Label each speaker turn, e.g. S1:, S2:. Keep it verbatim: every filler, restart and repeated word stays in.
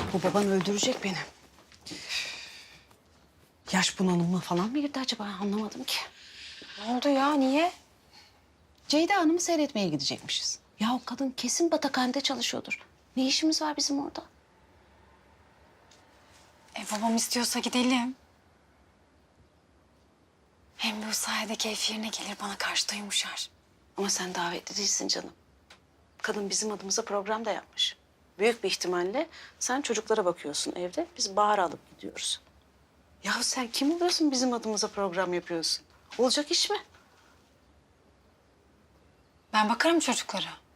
S1: Bu baban öldürecek beni. Yaş bunalımı falan mı girdi acaba? Anlamadım ki.
S2: Ne oldu ya? Niye?
S1: Ceyda Hanım'ı seyretmeye gidecekmişiz. Ya o kadın kesin batakhanede çalışıyordur. Ne işimiz var bizim orada?
S2: E babam istiyorsa gidelim. Hem bu sayede keyfi yerine gelir, bana karşı da yumuşar.
S1: Ama sen davetli değilsin canım. Kadın bizim adımıza program da yapmış. Büyük bir ihtimalle sen çocuklara bakıyorsun evde. Biz Bahar'ı alıp gidiyoruz. Ya sen kim oluyorsun bizim adımıza program yapıyorsun? Olacak iş mi?
S2: Ben bakarım çocuklara.